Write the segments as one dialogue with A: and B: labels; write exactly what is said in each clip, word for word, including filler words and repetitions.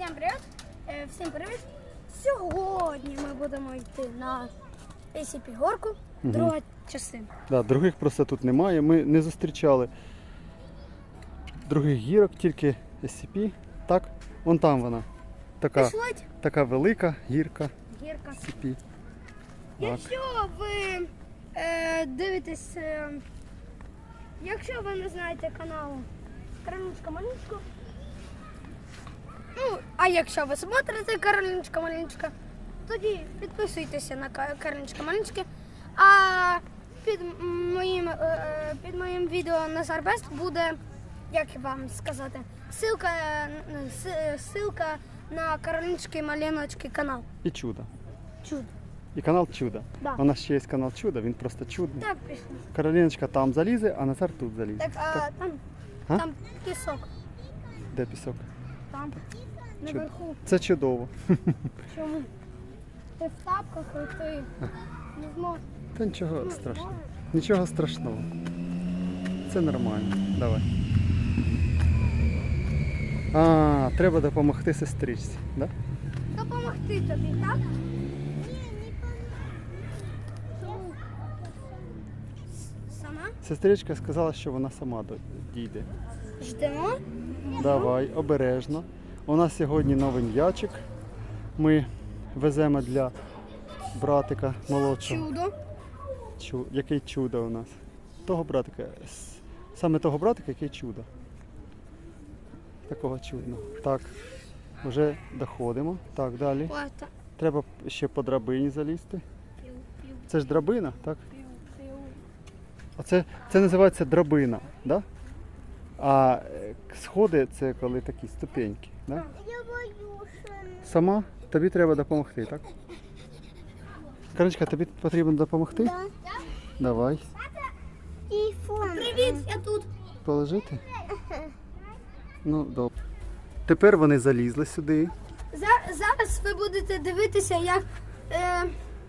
A: Всім привіт! Е, Всім привіт! Сьогодні ми будемо йти на ей сі пі горку, друга частина.
B: Да, других просто тут немає. Ми не зустрічали других гірок, тільки ес сі пі. Так, вон там вона. Така,
A: Пішліть.
B: така велика гірка
A: Гірка.
B: ес сі пі. Так.
A: Якщо ви е, дивитесь, е, якщо ви не знаєте каналу Кароліночка Маліночка, ну, а якщо ви смотрите Кароліночка Маліночка, тоді підписуйтеся на Ка- Кароліночка Маліночка. А під моїм, е, під моїм відео Назар Бест буде, як вам сказати, ссылка, е, с- ссылка на Кароліночки Маліночки канал.
B: І чудо.
A: Чудо.
B: І канал Чудо.
A: Да.
B: У нас ще є канал Чудо, він просто чудний.
A: Так пішло.
B: Кароліночка там залізе, а Назар тут залізе.
A: Так, а
B: Так.
A: там,
B: А?
A: там пісок.
B: Де пісок?
A: Там. Наверху.
B: Це чудово.
A: Чому? Ти в тапках і ти не зможеш.
B: Та нічого
A: Ну,
B: страшного.
A: зможеш.
B: Нічого страшного. Це нормально. Давай. А, треба допомогти сестричці, да?
A: Допомогти тобі, так? Чому? С- Сама?
B: Сестричка сказала, що вона сама до- дійде.
A: Ждемо.
B: Давай, обережно. У нас сьогодні новий м'ячик. Ми веземо для братика молодшого.
A: Чудо.
B: Чу... Який чудо у нас. Того братика. С- Саме того братика, який чудо. Такого чудного. Так, вже доходимо. Так, далі.
A: Ото.
B: Треба ще по драбині залізти.
A: Пів, пів,
B: Це ж драбина, так?
A: пів, пів.
B: Оце, це називається драбина, да? А е, сходи це коли такі ступеньки. Да?
A: Я боюся.
B: Сама тобі треба допомогти, так? Карочка, тобі потрібно допомогти?
A: Да.
B: Давай.
A: Телефон. Привіт, я тут.
B: Положити? Ну, добре. Тепер вони залізли сюди.
A: За- Зараз ви будете дивитися, як е,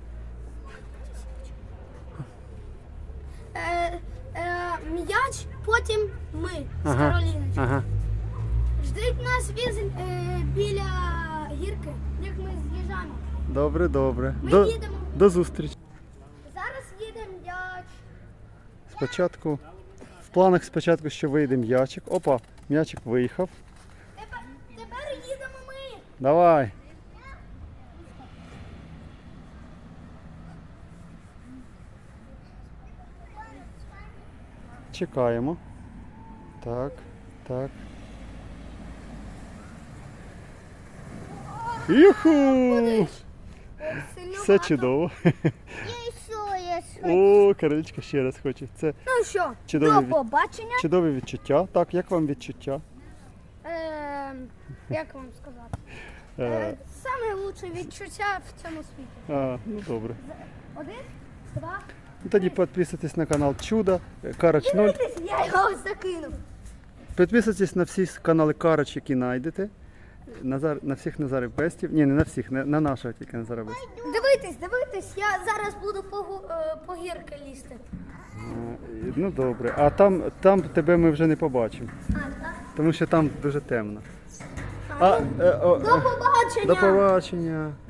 A: е, е, м'яч, потім ми з
B: Ага.
A: Кароліночкою.
B: Ага.
A: Ждіть нас віз- е, біля гірки, як ми з'їжджаємо.
B: Добре, добре.
A: Ми
B: До,
A: їдемо.
B: до зустрічі.
A: Зараз їде м'яч.
B: Спочатку, в планах спочатку, що вийде м'ячик. Опа, м'ячик виїхав.
A: Тепер, тепер їдемо ми.
B: Давай. Чекаємо. Так, так. Юху!
A: Сильно
B: Все
A: багато.
B: чудово.
A: Я що, я що?
B: О, Каролічка ще раз хоче. Це
A: Ну що,
B: Чудовий
A: до
B: від-
A: побачення.
B: чудові відчуття. Так, як вам відчуття?
A: Е, як вам сказати?
B: Е,
A: Е, саме лучше відчуття в цьому світі.
B: а, ну добре.
A: Один, два.
B: Ну, тоді підписуйтесь на канал Чудо, Карач ноль.
A: Дивіться, я його закинув.
B: Підписуйтесь на всі канали Карач, які знайдете. Назар, на всіх Назарів Бестів. Ні, не на всіх, не, на нашого тільки Назара Бестів.
A: Дивитесь, дивитесь, я зараз буду по, гу- е, по гірки лізти.
B: Е, Ну добре. А там, там тебе ми вже не побачимо,
A: А, так?
B: тому що там дуже темно.
A: А,
B: А,
A: ну,
B: е, о,
A: до
B: е,
A: побачення!
B: до побачення.